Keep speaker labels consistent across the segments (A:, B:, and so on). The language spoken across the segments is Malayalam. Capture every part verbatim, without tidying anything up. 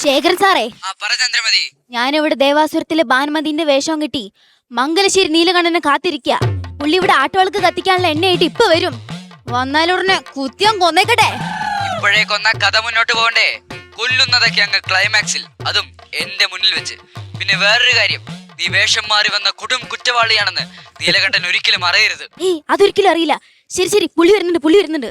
A: ശേഖരൻ സാറേ, ഞാനിവിടെ ദേവാസുരത്തിലെ ഭാനുമതിന്റെ വേഷം കിട്ടി മംഗലശ്ശേരി നീലകണ്ഠനെ കാത്തിരിക്കുക. പുള്ളി ഇവിടെ ആട്ടുകൾക്ക് കത്തിക്കാനുള്ള എണ്ണയായിട്ട് ഇപ്പൊ വരും. വന്നാലുടനെ കുത്തിയം കൊന്നേക്കട്ടെ.
B: ഇപ്പോഴേ കൊന്ന കഥ മുന്നോട്ട് പോകണ്ടേ? കൊല്ലുന്നതൊക്കെ അങ്ങ് ക്ലൈമാക്സിൽ, അതും എന്റെ മുന്നിൽ വെച്ച്. പിന്നെ വേറൊരു കാര്യം, നീ വേഷം മാറി വന്ന കൊടും കുറ്റവാളിയാണെന്ന് നീലകണ്ഠൻ ഒരിക്കലും അറിയരുത്.
A: ഏയ്, അതൊരിക്കലും അറിയില്ല. ശരി ശരി, പുള്ളി വരുന്നുണ്ട്, പുള്ളി വരുന്നുണ്ട്.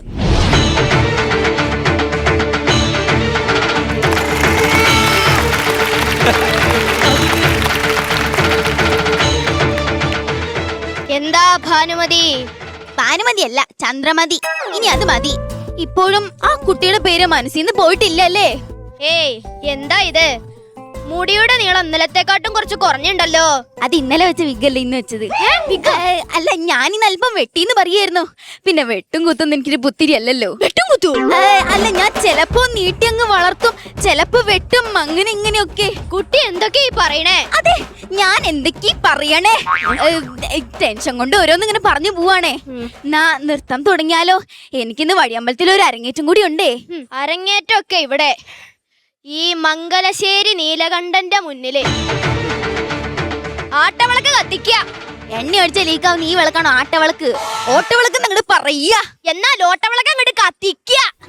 C: എന്താ ഭാനുമതി?
A: ഭാനുമതി അല്ല, ചന്ദ്രമതി. ഇനി അത് മതി. ഇപ്പോഴും ആ കുട്ടിയുടെ പേര് മനസ്സിൽ നിന്ന് പോയിട്ടില്ലല്ലേ?
C: ഏയ്, എന്താ ഇത്? മുടിയുടെ നീളം ഇന്നലത്തെക്കാട്ടും കുറച്ച് കുറഞ്ഞുണ്ടല്ലോ.
A: അത് ഇന്നലെ വെച്ച വിഗല്ലേ ഇന്ന് വെച്ചത്? അല്ല, ഞാനിന്ന് അല്പം വെട്ടിന്ന് പറയായിരുന്നു. പിന്നെ വെട്ടും കുത്തും എനിക്കൊരു പുത്തിരി അല്ലല്ലോ. വെട്ടും കുത്തു അല്ല, ഞാൻ ചെലപ്പോ നീട്ടി അങ്ങ് വളർത്തും, ചെലപ്പോ വെട്ടും, അങ്ങനെ ഇങ്ങനെയൊക്കെ.
C: കുട്ടി എന്തൊക്കെയാ പറയണേ?
A: അതെ, ഞാൻ എന്തൊക്കെയാ പറയണേ? ടെൻഷൻ കൊണ്ട് ഓരോന്ന് ഇങ്ങനെ പറഞ്ഞു പോവാണേ. നാ നൃത്തം തുടങ്ങിയാലോ? എനിക്കിന്ന് വഴിയമ്പലത്തിൽ ഒരു അരങ്ങേറ്റം കൂടി ഉണ്ടേ.
C: അരങ്ങേറ്റം ഒക്കെ ഇവിടെ ഈ മംഗലശ്ശേരി നീലകണ്ഠന്റെ മുന്നില് ആട്ടവിളക്ക് കത്തിക്ക.
A: എണ്ണ അടിച്ച ലീക്കാവുന്ന ഈ വിളക്കാണോ ആട്ടവിളക്ക്? ഓട്ടവിളക്ക് നിങ്ങട് പറയാ.
C: എന്നാൽ ഓട്ടവിളക്ക് അങ്ങോട്ട് കത്തിക്ക.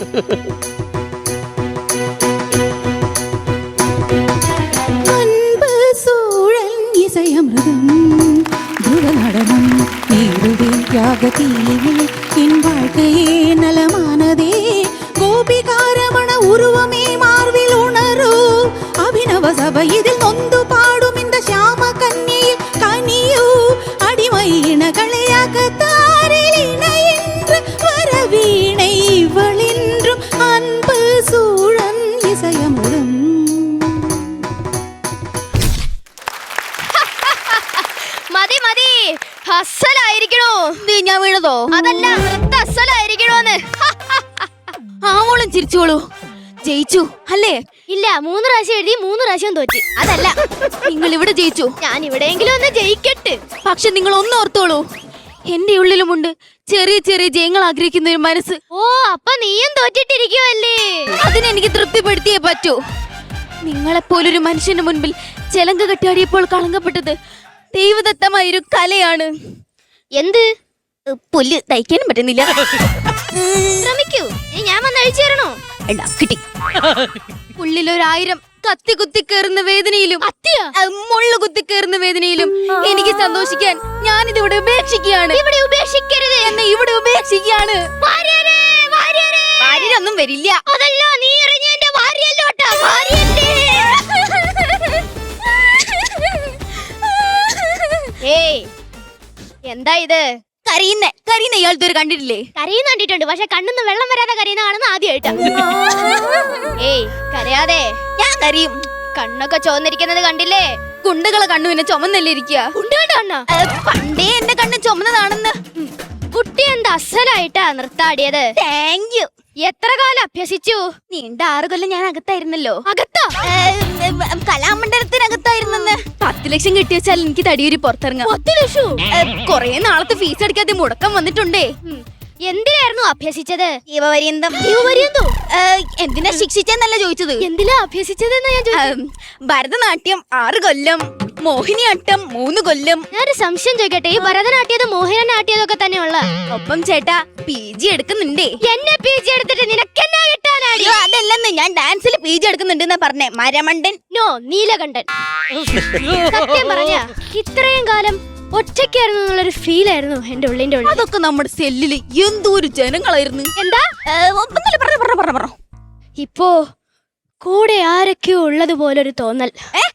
D: உருவமே மார்பில் உணரு அபிநவ சபையில் நொந்து பாடும் இந்த ஷாம கன்னியில் கனியு அடிமை இனகளையாக தாரில் இணைன்று வரவீணை இவளின்றும் அன்பு சூழன் இசையமுடன்.
C: മതി മതി, അസലായിരിക്കണോ?
A: ഞാൻ വീണതോ?
C: അതല്ല, നൃത്ത അസലായിരിക്കണോന്ന്.
A: ആവോളം ചിരിച്ചോളൂ. ജയിച്ചു അല്ലേ?
C: ഇല്ല, മൂന്ന് പ്രാവശ്യം എഴുതി മൂന്ന് പ്രാവശ്യം തോറ്റ്.
A: അതല്ല, നിങ്ങൾ ഇവിടെ ജയിച്ചു.
C: ഞാൻ ഇവിടെയെങ്കിലും ഒന്ന് ജയിക്കട്ടെ.
A: പക്ഷെ നിങ്ങൾ ഒന്ന് ഓർത്തോളൂ, എന്റെ ഉള്ളിലുമുണ്ട് ചെറിയ ചെറിയ ജയങ്ങൾ ആഗ്രഹിക്കുന്ന ഒരു മനസ്സ്.
C: ഓ, അപ്പൊ നീയും തോറ്റിട്ടിരിക്കുവല്ലേ?
A: അതിനെനിക്ക് തൃപ്തിപ്പെടുത്തിയേ പറ്റൂ. നിങ്ങളെപ്പോലൊരു മനുഷ്യന്റെ മുൻപിൽ ചെലങ്ക കെട്ടിയാടിയപ്പോൾ കളങ്കപ്പെട്ടത് ദൈവദത്തമായൊരു കലയാണ്.
C: എന്ത്?
A: പുല്ല് തയ്ക്കാനും പറ്റുന്നില്ല.
C: ശ്രമിക്കൂ, ഞാൻ വന്ന് അഴിച്ചു തരണോ?
A: കിട്ടി. ഉള്ളിലൊരായിരം കത്തി കുത്തി കയറുന്ന വേദനയിലും മുള്ളു കുത്തി കയറുന്ന വേദനയിലും എനിക്ക് സന്തോഷിക്കാൻ ഞാനിതിവിടെ ഉപേക്ഷിക്കുകയാണ്.
C: ഇവിടെ ഉപേക്ഷിക്കരുത്
A: എന്നെ ഇവിടെ ഉപേക്ഷിക്കുകയാണ്. ഭാര്യരൊന്നും വരില്ല.
C: അതല്ല, നീ എറിഞ്ഞ എന്റെ ഭാര്യയല്ലോട്ടാ. ഏയ്, എന്താ ഇത്?
A: കരയുന്ന കരയുന്ന ഇയാൾ ഇതുവരെ കണ്ടിട്ടില്ലേ?
C: കരയുന്ന കണ്ടിട്ടുണ്ട്, പക്ഷെ കണ്ണൊന്നും വെള്ളം വരാതെ കരയുന്ന കാണുന്ന ആദ്യമായിട്ടാ. ഏയ്, കരയാതെ.
A: ഞാൻ കരയും.
C: കണ്ണൊക്കെ ചോന്നിരിക്കുന്നത് കണ്ടില്ലേ?
A: കുണ്ടുകളെ കണ്ണു പിന്നെ ചുമന്നല്ലേ ഇരിക്കുക?
C: കുണ്ടുകളുടെ കണ്ണാ?
A: പണ്ടേ എന്റെ കണ്ണ് ചുമന്നതാണെന്ന്.
C: കുട്ടി എന്താ അസലായിട്ടാ നൃത്താടിയത്.
A: Thank you.
C: എത്ര കാലം അഭ്യസിച്ചു?
A: നീണ്ട ആറ് കൊല്ലം ഞാൻ അകത്തായിരുന്നല്ലോ.
C: അകത്താ?
A: കലാമണ്ഡലത്തിനകത്തായിരുന്നെന്ന്. പത്ത് ലക്ഷം കിട്ടി വെച്ചാൽ എനിക്ക് തടിയൂരി പുറത്തിറങ്ങാം.
C: പത്ത് ലക്ഷം?
A: കൊറേ നാളത്തെ ഫീസ് അടിക്കാതെ മുടക്കം വന്നിട്ടുണ്ടേ.
C: എന്തിനായിരുന്നു അഭ്യസിച്ചത്?
A: ജീവപര്യന്തം.
C: ജീവപര്യന്തം?
A: എന്തിനാ ശിക്ഷിച്ചെന്നല്ല ചോദിച്ചത്.
C: എന്തിനാ അഭ്യസിച്ചതെന്നാ ഞാൻ ചോദിച്ചത്.
A: ഭരതനാട്യം ആറ് കൊല്ലം, മോഹിനിയാട്ടം മൂന്ന് കൊല്ലം.
C: ഞാനൊരു സംശയം ചോദിക്കട്ടെ, ഈ ഭരതനാട്യതും മോഹിനിയാട്ടിയതൊക്കെ തന്നെയുള്ള
A: ഒപ്പം ചേട്ടാ പി ജി എടുക്കുന്നുണ്ടേ.
C: എന്നെ പി ജി എടുത്തിട്ട് നിനക്കെന്നാ കിട്ടാനാടി?
A: അതല്ലെന്ന്, ഞാൻ ഡാൻസിൽ പി ജി എടുക്കുന്നുണ്ടെന്നാ പറഞ്ഞേ. മരമണ്ടൻ.
C: നോ, നീലകണ്ഠൻ. സത്യം പറഞ്ഞ ഇത്രയും കാലം ഒറ്റയ്ക്കായിരുന്നു എന്നുള്ളൊരു ഫീൽ ആയിരുന്നു എന്റെ ഉള്ളിന്റെ ഉള്ളിൽ.
A: അതൊക്കെ നമ്മുടെ സെല്ലില് എന്തോരു ജനങ്ങളായിരുന്നു.
C: എന്താ? ഇപ്പോ കൂടെ ആരൊക്കെയോ ഉള്ളത് പോലൊരു തോന്നൽ.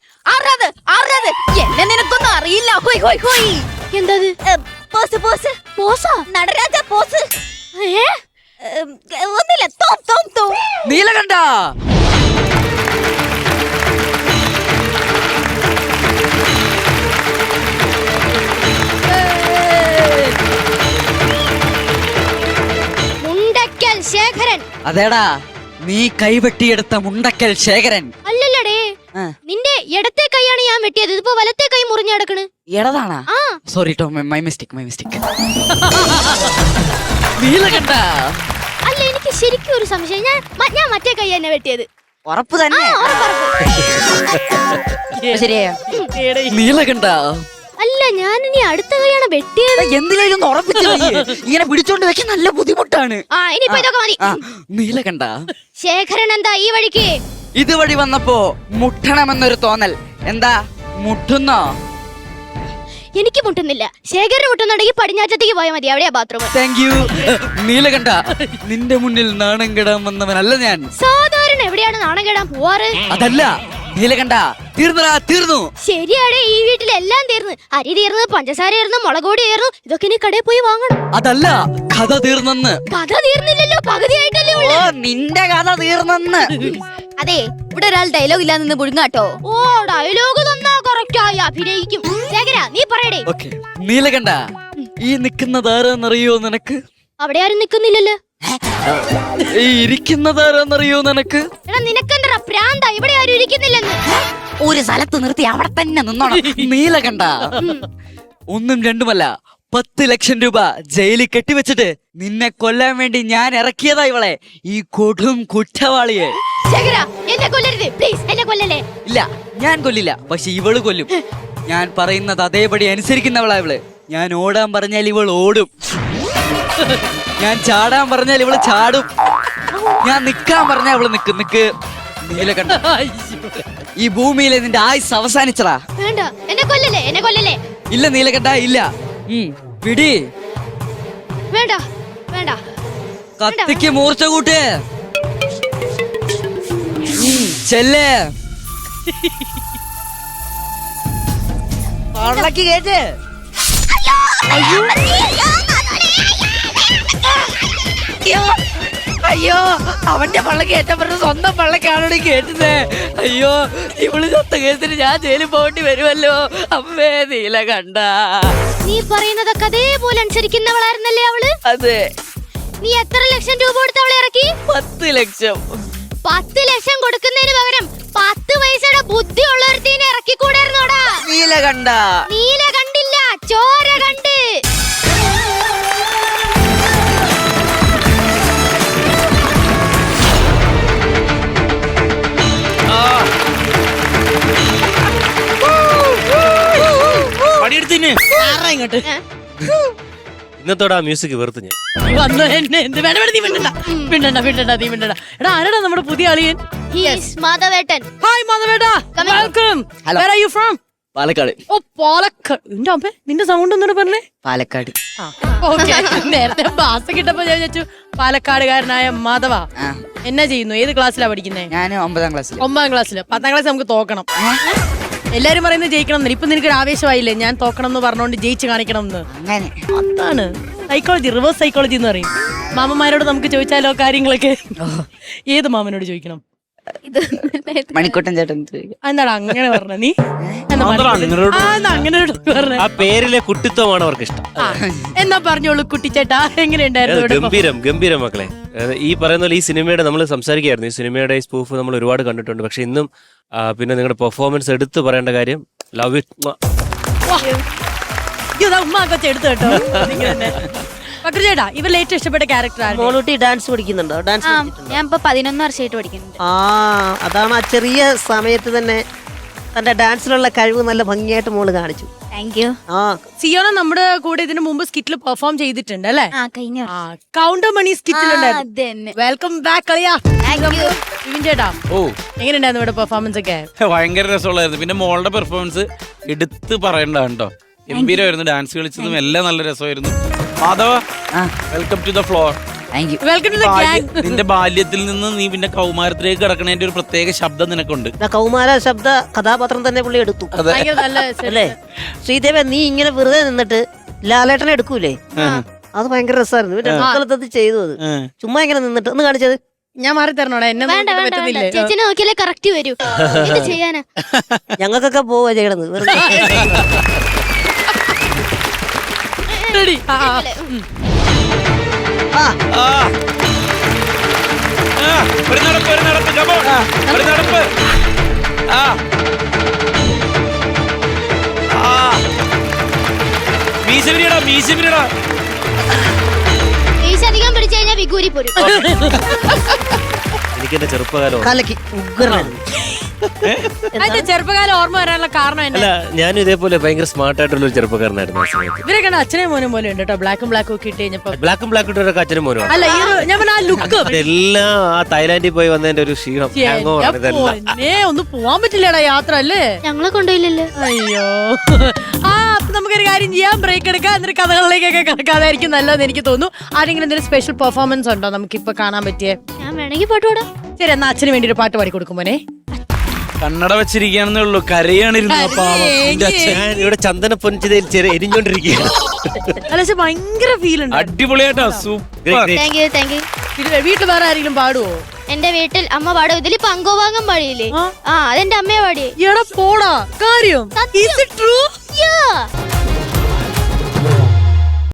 A: എന്നെ നിനക്കൊന്നും അറിയില്ല. ഹോയ് ഹോയ് ഹോയ്.
C: എന്തത്?
A: പോസ് പോസ് പോസാ നടരാജ പോസ്.
C: ഏ,
A: ഒന്നില്ല. തോം തോം തോം.
B: നീലകണ്ഠ,
C: മുണ്ടക്കൽ ശേഖരൻ.
B: അതേടാ, നീ കൈവെട്ടിയെടുത്ത മുണ്ടക്കൽ ശേഖരൻ.
C: അല്ലല്ലടേ, നിന്റെ ഇടത്തെ കൈയാണ് ഞാൻ വെട്ടിയത്. ഇതിപ്പോ വലത്തെ കൈ മുറിഞ്ഞു കിടക്കണ്.
B: എടതാണാ?
C: ആ,
B: സോറി ടോ, മൈ മിസ്റ്റേക്ക് മൈ മിസ്റ്റേക്ക്. നീലകണ്ഠ,
C: അല്ല, എനിക്ക് ശരിക്കും ഒരു സംശയം. ഞാൻ ഞാൻ മറ്റേ കൈ തന്നെ വെട്ടിയത്.
B: ഉറപ്പ് തന്നെ ശരിയാ നീലകണ്ഠ
C: അല്ല ഞാൻ ഇനി അടുത്ത കൈയാണ് വെട്ടിയത്.
B: എന്തിനും ഉറപ്പിച്ചു ഇങ്ങനെ പിടിച്ചോണ്ട് വെക്കാൻ നല്ല ബുദ്ധിമുട്ടാണ്.
C: ആ ഇനിയിപ്പോ ഇതൊക്കെ മതി.
B: നീലകണ്ഠ
C: ശേഖരൻ എന്താ ഈ വഴിക്ക്?
B: ഇതുവഴി വന്നപ്പോ മുട്ടണമെന്നൊരു തോന്നൽ. എന്താ മുട്ടുന്നോ?
C: എനിക്ക് മുട്ടുന്നില്ല. ശേഖരന് മുട്ടുന്നുണ്ടെങ്കിൽ പടിഞ്ഞാറ്റത്തേക്ക് പോയാൽ മതി, അവിടെയാ ബാത്റൂം.
B: Thank you Neelakanta. നിന്റെ മുന്നിൽ നാണം കെടാൻ വന്നവനല്ല ഞാൻ.
C: സാധാരണ എവിടെയാണ് നാണം കെടാൻ പോവാറ്?
B: അതല്ല നീലകണ്ഠ, തീർന്നടാ തീർന്നു.
C: ശരിയാടെ, ഈ വീട്ടിലെല്ലാം തീർന്നു. അരി തീർന്നു, പഞ്ചസാര തീർന്നു, മുളക് പൊടി തീർന്നു. ഇതൊക്കെ ഇനി കടയിൽ പോയി വാങ്ങണം.
B: അതല്ല കഥ തീർന്നെന്ന്.
C: കഥ തീർന്നില്ലല്ലോ, പകുതിയായിട്ടല്ലേ ഉള്ളൂ.
B: ഓ നിന്റെ കഥ തീർന്നെന്ന്.
A: അതെ, ഇവിടെ ഒരാൾ ഡയലോഗ് ഇല്ലാതെ നിന്ന് പുഴുങ്ങാട്ടോ.
C: ഓ ഡയലോഗ് തന്നാ കറക്റ്റായി അഭിനയിക്കും. ശേഖര നീ പറയടേ.
B: ഓക്കേ നീലകണ്ഠ, ഈ നിൽക്കുന്നത് ആരാന്നറിയോ നിനക്ക്?
C: അവിടെ ആരും നിക്കുന്നില്ലല്ലോ.
B: ഈ ഇരിക്കുന്നത് ആരാന്നറിയോ നിനക്ക്?
C: എടാ നിനക്കെന്താ പ്രാന്ത? ഇവിടെ ആരും ഇരിക്കുന്നില്ലെന്ന്.
A: ഒരു സ്ഥലത്ത് നിർത്തി അവിടെ തന്നെ നിന്നോണം.
B: നീലകണ്ഠ, ഒന്നും രണ്ടുമല്ല പത്ത് ലക്ഷം രൂപ ജയിലിൽ കെട്ടിവെച്ചിട്ട് നിന്നെ കൊല്ലാൻ വേണ്ടി ഞാൻ ഇറക്കിയതാ ഇവളെ, ഈ കൊടും കുറ്റവാളിയെ.
C: ശേഖര എന്നെ കൊല്ലരുത് പ്ലീസ്, എന്നെ കൊല്ലല്ലേ.
B: ഇല്ല ഞാൻ കൊല്ലില്ല, പക്ഷെ ഇവള് കൊല്ലും. ഞാൻ പറയുന്നത് അതേപടി അനുസരിക്കുന്നവളാ ഇവള്. ഞാൻ ഓടാൻ പറഞ്ഞാൽ ഇവൾ ഓടും, ഞാൻ ചാടാൻ പറഞ്ഞാൽ ഇവള് ചാടും, ഞാൻ നിക്കാൻ പറഞ്ഞാൽ ഇവള് നിക്കും. നിക്ക് നീലകണ്ഠ, ഈ ഭൂമിയിലെ നിന്റെ ആയുസ് അവസാനിച്ചടാ.
C: വേണ്ട എന്നെ കൊല്ലല്ലേ, എന്നെ കൊല്ലല്ലേ.
B: ഇല്ല നീലകണ്ഠ ഇല്ല. ഉം, പിടി.
C: വേണ്ട വേണ്ട.
B: കത്തിക്ക് മൂർച്ച കൂട്ട്. ഉം, ചെല്ല്. പള്ളക്ക് കേട്ട്. അയ്യോ അവന്റെ പള്ളക്ക് ഏറ്റപ്പുറത്ത് സ്വന്തം പള്ളക്കാണോട് കേട്ടത്. അയ്യോ ഇവള് ചത്ത കേസിന് ഞാൻ ജയിലിൽ പോകേണ്ടി വരുമല്ലോ. അമ്മേ നീലകണ്ഠ.
C: നീ പറയുന്നതൊക്കെ അതേപോലെ അനുസരിക്കുന്നവളായിരുന്നല്ലേ അവള്?
B: അതെ.
C: നീ എത്ര ലക്ഷം രൂപ കൊടുത്ത് അവളെ ഇറക്കി?
B: പത്ത് ലക്ഷം.
C: പത്ത് ലക്ഷം കൊടുക്കുന്നതിന് പകരം പത്ത് പൈസയുടെ ബുദ്ധി ഉള്ളൊരുത്തീനെ ഇറക്കിക്കൂടായിരുന്നോടാ?
B: നീലകണ്ഠ.
C: നീല കണ്ടില്ല, ചോര കണ്ട്.
E: ഇങ്ങോട്ട് ഇന്നത്തോടെ ആ മ്യൂസിക് വെറുത്ത് ഞാൻ
F: വന്നു എന്നെ എന്ത് വേണ്ട വേണ്ട നീ മിണ്ടണ്ട മിണ്ടണ്ട മിണ്ടണ്ട നീ മിണ്ടണ്ട. എടാ ആരാടാ നമ്മുടെ പുതിയ അളിയൻ?
C: മാധവേട്ടൻ.
F: ഹായ് മാധവേട്ടാ, welcome. Where are you from?
B: Palakkad.
F: ഓ പാലക്കാട്. എന്റെ അമ്മ നിന്റെ സൗണ്ട് ഒന്നുകൂടെ പറഞ്ഞേ.
B: പാലക്കാട്.
F: ഓക്കെ നേരത്തെ ബാസ് കിട്ടപ്പോ ഞാൻ വിചാരിച്ചു പാലക്കാടുകാരനായ മാധവ. എന്നാ ചെയ്യുന്നു? ഏത് ക്ലാസ്സിലാ പഠിക്കുന്നേ?
B: ഞാൻ ഒമ്പതാം ക്ലാസ്സിൽ.
F: ഒമ്പതാം ക്ലാസ്സില്. പത്താം ക്ലാസ് നമുക്ക് തോക്കണം. എല്ലാരും പറയുന്നത് ജയിക്കണം എന്ന്. ഇപ്പൊ നിനക്ക് ഒരു ആവേശമായില്ലേ ഞാൻ തോക്കണം എന്ന് പറഞ്ഞോണ്ട് ജയിച്ച് കാണിക്കണം എന്ന്.
B: അങ്ങനെ
F: അതാണ് സൈക്കോളജി, റിവേഴ്സ് സൈക്കോളജി എന്ന് പറയും. മാമന്മാരോട് നമുക്ക് ചോദിച്ചാലോ കാര്യങ്ങളൊക്കെ? ഏത് മാമനോട് ചോദിക്കണം?
B: മണിക്കൂട്ടൻ ചേട്ടൻ.
F: എന്താടാ അങ്ങനെ പറഞ്ഞ നീ? അങ്ങനെ
E: ആ പേരിലെ കുട്ടിത്വമാണ് അവർക്ക് ഇഷ്ടം.
F: എന്നാ പറഞ്ഞോളൂ കുട്ടിച്ചേട്ടാ, എങ്ങനെയുണ്ടായിരുന്നു?
E: ഗംഭീരം ഗംഭീരം മക്കളെ. ഈ പറയുന്ന പോലെ ഈ സിനിമയുടെ നമ്മൾ സംസാരിക്കുകയായിരുന്നു. ഈ സിനിമയുടെ ഈ സ്പൂഫ് നമ്മൾ ഒരുപാട് കണ്ടിട്ടുണ്ട്. പക്ഷെ ഇന്നും പിന്നെ നിങ്ങളുടെ പെർഫോമൻസ് എടുത്തു പറയേണ്ട കാര്യം. Love it.
F: ഉമ്മ കൊച്ചു എടുത്തു കേട്ടോ. ചേട്ടാ ഇവരിൽ ഏറ്റവും ഇഷ്ടപ്പെട്ട ക്യാരക്ടർ?
G: മോളൂട്ടി ഡാൻസ് പഠിക്കുന്നുണ്ടോ? ഡാൻസ്
A: ഞാൻ ഇപ്പൊ പതിനൊന്ന് വർഷമായിട്ട് പഠിക്കുന്നുണ്ട്.
G: ആ അതാണ് ആ ചെറിയ സമയത്ത് തന്നെ തന്റെ ഡാൻസിലുള്ള കഴിവ് നല്ല ഭംഗിയായിട്ട് മോള് കാണിച്ചു.
A: Thank you.
G: ആ
F: സിയോണ നമ്മുടെ കൂടെ ഇതിനു മുമ്പ് സ്കിറ്റിൽ പെർഫോം ചെയ്തിട്ടുണ്ട് അല്ലേ?
A: ആ കഴിഞ്ഞ
F: കൗണ്ടർ മണി സ്കിറ്റിലുണ്ടായിരുന്നു. വെൽക്കം ബാക്ക് കളിയാ. വിപിൻ ചേട്ടാ
H: ഓ
F: എങ്ങനെയുണ്ടായിരുന്നു ഇവിടെ പെർഫോമൻസ് ഒക്കെ?
H: ഭയങ്കര രസമുള്ളായിരുന്നു. പിന്നെ മോളുടെ പെർഫോമൻസ് എടുത്ത് പറയണ്ട കേട്ടോ, ഗംഭീരമായിരുന്നു. ഡാൻസ് കളിച്ചതും എല്ലാം നല്ല രസമായിരുന്നു. മാധവ welcome to the floor.
F: Welcome to the gang.
H: നിന്റെ ബാല്യത്തിൽ നിന്ന് നീ പിന്നെ കൗമാരത്തിലേക്ക് കിടക്കണേന്റെ ഒരു പ്രത്യേക ശബ്ദം നിനക്കുണ്ട്.
G: കൗമാര ശബ്ദ കഥാപാത്രം തന്നെ പുള്ളി എടുത്തു അല്ലേ? ശ്രീദേവ നീ ഇങ്ങനെ വെറുതെ നിന്നിട്ട് ലാലേട്ടനെ എടുക്കൂലേ? അത് ഭയങ്കര രസമായിരുന്നു. പിന്നെ മക്കളത്ത് ചെയ്തു അത് ചുമ്മാ ഇങ്ങനെ നിന്നിട്ട് ഒന്ന് കാണിച്ചത്.
F: ഞാൻ മാറി തരണോടാ? എന്നെ
C: വേണ്ട വേണ്ട വേണ്ട, ചേച്ചിനെ നോക്കിയാലേ കറക്റ്റ് വരൂ. എന്ത് ചെയ്യാനാ?
G: ഞങ്ങൾക്കൊക്കെ പോവാ ചെയ്യണത് വെറുതെ.
F: റെഡി?
H: ആ. ആ, ഒരു നടപ്പ്, ഒരു നടപ്പ്, come on. ഒരു നടപ്പ്. ആ. ആ. മീശ വിരിയടാ, മീശ വിരിയടാ.
C: മീശ അധികം പിടിച്ചു കഴിഞ്ഞാൽ വിഗൂരി പോരും.
E: എനിക്ക് എന്റെ ചെറുപ്പകാലം
G: കലക്കി ഉഗ്രനായിരുന്നു.
F: അതിന്റെ ചെറുപ്പകാലം ഓർമ്മ വരാനുള്ള കാരണം എന്നെ
E: അല്ല ഞാനും ഇതേപോലെ ഭയങ്കര സ്മാർട്ട് ആയിട്ടുള്ള ഒരു ചെറുപ്പക്കാരനായിരുന്നു ആ സമയത്ത്.
F: ഇവരൊക്കെ അച്ഛനെ മോനും പോലെ ഉണ്ട് കേട്ടോ. ബ്ലാക്കും ബ്ലാക്കും ഒക്കെ ഇട്ട് കഴിഞ്ഞപ്പോ
E: ബ്ലാക്കും ബ്ലാക്ക് ഇട്ടൊക്കെ അച്ഛനും മോനും
F: അല്ല ഈ ഒരു- ഞാൻ പറഞ്ഞ ആ ലുക്ക്
E: എല്ലാം ആ തായ്ലാന്റിൽ പോയി വന്നതിന്റെ ഒരു ക്ഷീണം hangover ആണ് ഇതെല്ലാം.
F: ഏ ഒന്ന് പോവാൻ പറ്റില്ലടാ യാത്ര അല്ലേ.
C: ഞങ്ങളെ കൊണ്ടുപോയില്ലല്ലോ.
F: അയ്യോ ആ അപ്പൊ നമുക്കൊരു കാര്യം ചെയ്യാം, ബ്രേക്ക് എടുക്കാം, എന്നിട്ട് കഥകളിലേക്കൊക്കെ കിടക്കാതായിരിക്കും നല്ലതെന്ന് എനിക്ക് തോന്നുന്നു. ആരെങ്കിലും എന്തെങ്കിലും സ്പെഷ്യൽ പെർഫോമൻസ് ഉണ്ടോ നമുക്കിപ്പോ കാണാൻ പറ്റിയേ?
C: ഞാൻ വേണമെങ്കിൽ പാട്ട് പാടാം.
F: ശരി, എന്നാ അച്ഛന് വേണ്ടി ഒരു പാട്ട് പാടി കൊടുക്കും മോനെ.
H: കണ്ണട വെച്ചിരിക്കുകയാണെന്നേ ഉള്ളൂ, കരയാണിരുന്നു ആ പാവം. എന്റെ അച്ഛൻ
E: ഞാൻ ഇവിടെ ചന്ദന പൊഞ്ചതയിൽ ചെറിയ എരിഞ്ഞോണ്ടിരിക്കുകയാണ്.
F: അല്ല പക്ഷെ ഭയങ്കര ഫീൽ ഉണ്ട്.
H: അടിപൊളിയായിട്ടാ, super.
C: Thank you thank you.
F: വീട്ടിൽ വേറെ ആരെങ്കിലും പാടുവോ?
C: എന്റെ വീട്ടിൽ അമ്മ പാടും. ഇതിൽ പങ്കോവാങ്ങം പാടിയില്ലേ?
F: ആ.
C: ആ അതെന്റെ അമ്മയെ പാടിയേ.
F: എടാ പോടാ കാര്യം. Is it true?
C: Yeah.